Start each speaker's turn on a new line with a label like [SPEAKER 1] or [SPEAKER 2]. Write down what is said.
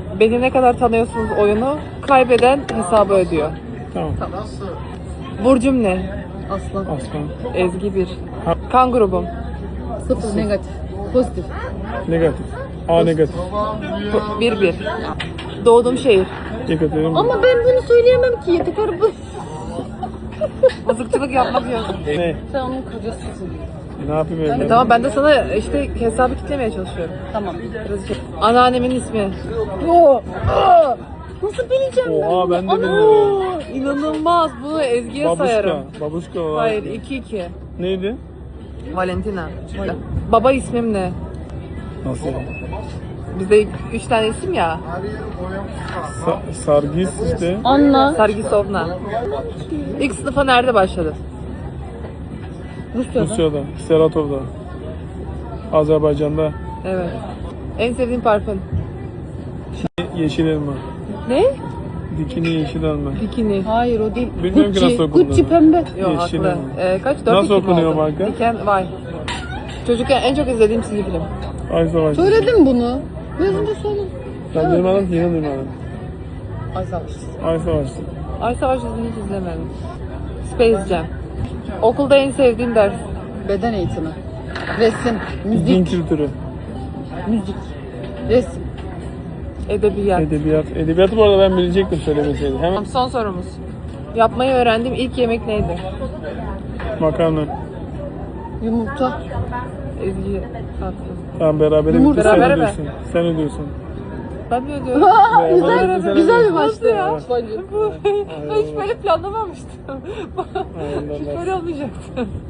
[SPEAKER 1] Beni ne kadar tanıyorsunuz oyunu, kaybeden hesabı ödüyor.
[SPEAKER 2] Tamam.
[SPEAKER 1] Burcum ne?
[SPEAKER 3] Aslan.
[SPEAKER 2] Aslan.
[SPEAKER 1] Ezgi 1. Kan grubum.
[SPEAKER 3] 0 negatif. Pozitif.
[SPEAKER 2] Negatif. A negatif.
[SPEAKER 1] 1-1. Doğduğum şehir.
[SPEAKER 2] Yekaterinburg.
[SPEAKER 3] Ama ben bunu söyleyemem ki. Yeter bu.
[SPEAKER 1] Mızıkçılık yapmak yok.
[SPEAKER 2] Ne?
[SPEAKER 3] Sen onun kocasısın.
[SPEAKER 2] Ne yapayım evladım?
[SPEAKER 1] Tamam, ben de sana işte hesabı kitlemeye çalışıyorum.
[SPEAKER 3] Tamam.
[SPEAKER 1] Anneannemin ismi.
[SPEAKER 3] Yo. Nasıl bileceğim ben?
[SPEAKER 2] Oha ben de
[SPEAKER 3] Ana!
[SPEAKER 2] bilmiyorum.
[SPEAKER 1] İnanılmaz. Bunu Ezgi'ye sayarım.
[SPEAKER 2] Babuşka var.
[SPEAKER 1] Hayır, 2-2.
[SPEAKER 2] Neydi?
[SPEAKER 1] Valentina. Baba ismim ne?
[SPEAKER 2] Nasıl?
[SPEAKER 1] Bizde 3 tane isim ya.
[SPEAKER 2] Sargis işte.
[SPEAKER 3] Anna.
[SPEAKER 1] Sargisovna. İlk sınıfa nerede başladı?
[SPEAKER 3] Rusya'da.
[SPEAKER 2] Rusya'da. Seratov'da. Azerbaycan'da.
[SPEAKER 1] Evet. En sevdiğin parfüm?
[SPEAKER 2] Yeşil elma.
[SPEAKER 1] Ne?
[SPEAKER 2] Dikini yeşil elma.
[SPEAKER 1] Bikini.
[SPEAKER 3] Hayır o değil.
[SPEAKER 2] Bilmiyorum ki nasıl okunduğunu.
[SPEAKER 3] Gucci pembe.
[SPEAKER 1] Yok,
[SPEAKER 2] Yeşil
[SPEAKER 1] haklı.
[SPEAKER 2] elma.
[SPEAKER 1] Kaç? 4
[SPEAKER 2] Nasıl okunuyor marka?
[SPEAKER 1] Diken Vay. Çocukken en çok izlediğim çizgi film.
[SPEAKER 2] Ay savaş.
[SPEAKER 3] Söyledim bunu. Biraz önce söyledim.
[SPEAKER 2] Ben duymadım ki yine duymadım.
[SPEAKER 1] Ay savaş.
[SPEAKER 2] Ay savaş.
[SPEAKER 1] Ay savaş dizini hiç izlemedim. Space Jam. Okulda en sevdiğim ders.
[SPEAKER 3] Beden eğitimi. Resim.
[SPEAKER 2] Din
[SPEAKER 3] Müzik.
[SPEAKER 2] kültürü.
[SPEAKER 3] Müzik. Resim.
[SPEAKER 1] Edebiyat.
[SPEAKER 2] Edebiyat. Edebiyatı bu arada ben bilecektim söylemeseydi. Hemen
[SPEAKER 1] Tamam, son sorumuz. Yapmayı öğrendiğim ilk yemek neydi?
[SPEAKER 2] makarna.
[SPEAKER 3] Yumurta.
[SPEAKER 1] Ezgi tatlı.
[SPEAKER 2] Tamam beraber
[SPEAKER 3] Yumurta.
[SPEAKER 2] sen
[SPEAKER 1] Berabere mi?
[SPEAKER 2] ödüyorsun. Sen ödüyorsun.
[SPEAKER 1] Ben mi ödüyorum?
[SPEAKER 2] Beraber sen
[SPEAKER 3] Güzel bir
[SPEAKER 2] ödüyorsun.
[SPEAKER 3] maçtı ya.
[SPEAKER 1] Ben hiç böyle planlamamıştım.
[SPEAKER 2] Aynen.
[SPEAKER 1] Hiç böyle olmayacaktı.